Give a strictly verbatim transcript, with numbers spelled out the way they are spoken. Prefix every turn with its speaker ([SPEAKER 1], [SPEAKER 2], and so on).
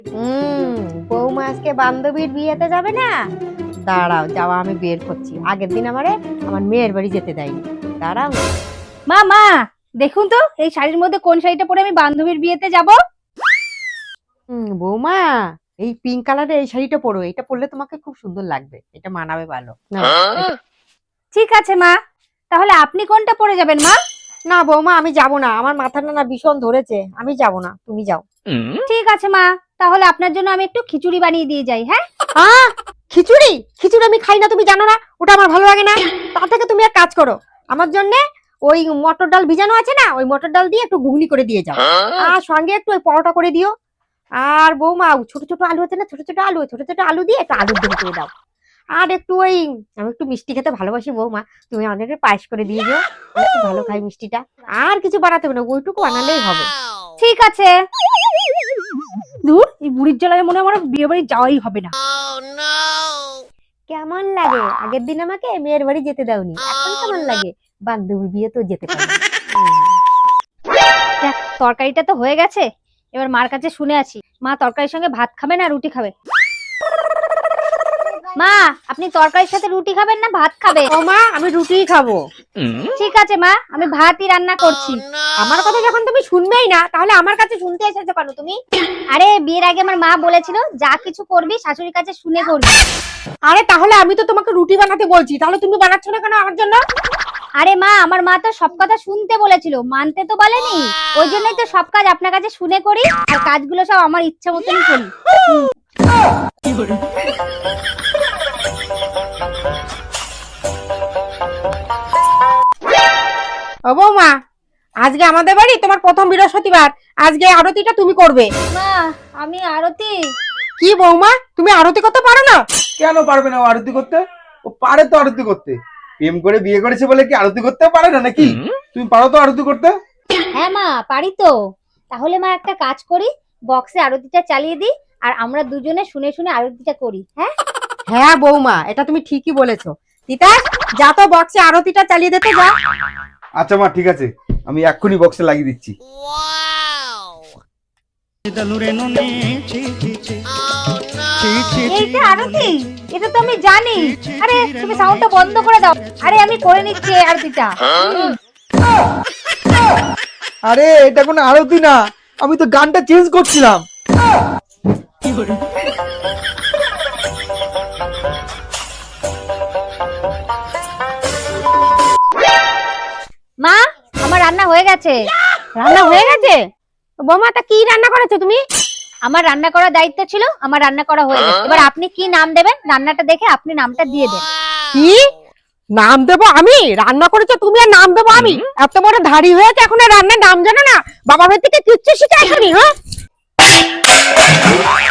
[SPEAKER 1] হুম, বৌমা আজকে বান্ধবীর বিয়েতে যাবে না? দাঁড়াও, যাওয়া আমি বের করছি। আগের দিন আমারে আমার মেয়ের বাড়ি যেতে দেয়নি। দাঁড়াও।
[SPEAKER 2] মা মা দেখুন তো এই শাড়ির মধ্যে কোন শাড়িটা পরে আমি বান্ধবীর বিয়েতে যাব।
[SPEAKER 1] হুম, বৌমা এই পিঙ্ক কালারের এই শাড়িটা পরো। এটা পরলে তোমাকে খুব সুন্দর লাগবে। এটা মানাবে ভালো। নাও, এটা-
[SPEAKER 2] ঠিক আছে মা, তাহলে আপনি কোনটা পরে যাবেন মা?
[SPEAKER 1] না বৌমা, আমি যাব না। আমার মাথাটা না ভীষণ ধরেছে। আমি যাব না, তুমি যাও।
[SPEAKER 2] ঠিক আছে মা, তাহলে আপনার জন্য আমি একটু খিচুড়ি বানিয়ে দিয়ে যাই। হ্যাঁ
[SPEAKER 1] আহ খিচুড়ি? খিচুড়ি আমি খাই না, তুমি জানো না? ওটা আমার ভালো লাগে না। তার থেকে তুমি এক কাজ করো, আমার জন্য ওই মটর ডাল ভিজানো আছে না, ওই মটর ডাল দিয়ে একটু ঘুগনি করে দিয়ে যাও। আর সঙ্গে একটু ওই পরোটা করে দিও। আর বৌমা ছোট ছোট আলু আছে না, ছোট ছোট আলু, ছোট ছোট আলু দিয়ে একটু আলুর দম করে দাও। আর একটু ওই, আমি একটু মিষ্টি খেতে ভালোবাসি বৌমা, তুমি আমাদের একটু পায়েস করে দিয়ে দিও। আমি খুব ভালো খাই মিষ্টিটা। আর কিছু বানাতে হবে না, ওইটুকু বানালেই হবে।
[SPEAKER 2] ঠিক আছে। দূর, এই বুড়ির জ্বালায় মনে হয় আমার বিয়ে বাড়ি যাওয়াই হবে না।
[SPEAKER 1] কেমন লাগে আগের দিন আমাকে মেয়ের বাড়ি যেতে দাওনি, এখন কেমন লাগে বান্ধবীর বিয়ে তো যেতে পারি।
[SPEAKER 2] দেখ, তরকারিটা তো হয়ে গেছে, এবার মার কাছে শুনে আছি মা তরকারির সঙ্গে ভাত খাবে না রুটি খাবে। মা, আপনি তরকারির সাথে রুটি খাবেন না ভাত খাবে?
[SPEAKER 1] ও মা, আমি রুটিই খাবো।
[SPEAKER 2] ঠিক আছে মা, আমি ভাতই রান্না করছি।
[SPEAKER 1] আমার কথা যখন তুমি শুনবেই না, তাহলে আমার কাছে শুনতে এসেছো কেন তুমি?
[SPEAKER 2] আরে বিয়ের আগে আমার মা বলেছিল যা কিছু করবি শাশুড়ির কাছে শুনে করবি।
[SPEAKER 1] আরে তাহলে আমি তো তোমাকে রুটি বানাতে বলছি, তাহলে তুমি বানাচ্ছ না কেন আমার জন্য?
[SPEAKER 2] আরে মা, আমার মা তো সব কথা শুনতে বলেছিল, মানতে তো বলেনি। ওই জন্যই তো সব কাজ আপনার কাছে শুনে করি, আর কাজগুলো সব আমার ইচ্ছা মতনই করি।
[SPEAKER 1] ও বৌমা, আজকে আমাদের বাড়ি তোমার প্রথম বৃহস্পতিবার, আজকে আরতিটা তুমি করবে।
[SPEAKER 2] মা, আমি আরতি।
[SPEAKER 1] কি বৌমা, তুমি আরতি করতে পারো না?
[SPEAKER 3] কেন পারবে না ও আরতি করতে? ও পারে তো আরতি করতে। প্রেম করে বিয়ে করেছে বলে কি আরতি করতেও পারে না নাকি? তুমি পারো তো আরতি করতে?
[SPEAKER 2] হ্যাঁ মা, পারি তো। তাহলে মা একটা কাজ করি, বক্সে আরতিটা চালিয়ে দিই, আর আমরা দুজনে শুনে শুনে আরতিটা করি। হ্যাঁ
[SPEAKER 1] হ্যাঁ বৌমা, এটা তুমি ঠিকই বলেছো। তিতাস, যা তো বক্সে আরতিটা চালিয়ে দিতে যা।
[SPEAKER 3] আচ্ছা মা, ঠিক আছে, আমি এক্ষুনি বক্সে লাগিয়ে দিচ্ছি।
[SPEAKER 2] এইটা আরতি, এটা তো আমি জানি। আরে তুমি সাউন্ডটা বন্ধ করে দাও। আরে আমি করে নিচ্ছি এই আরতিটা।
[SPEAKER 3] আরে এটা কোনো আরতি না, আমি তো গানটা চেঞ্জ করছিলাম।
[SPEAKER 2] মা, আমার রান্না হয়ে গেছে।
[SPEAKER 1] রান্না হয়ে গেছে? বৌমা, তা কি রান্না করেছো তুমি?
[SPEAKER 2] আমার রান্না করার দায়িত্ব ছিল, আমার রান্না করা হয়ে গেছে। এবার আপনি কি নাম দেবেন, রান্নাটা দেখে আপনি নামটা দিয়ে দেন।
[SPEAKER 1] কি নাম দেবো আমি? রান্না করেছো তুমি আর নাম দেবো আমি? এত বড় ধাড়ি হয়েছে এখন আর রান্নার নাম জানো না? বাবা ভাই থেকে কিচ্ছু শিখে আসনি? হ্যাঁ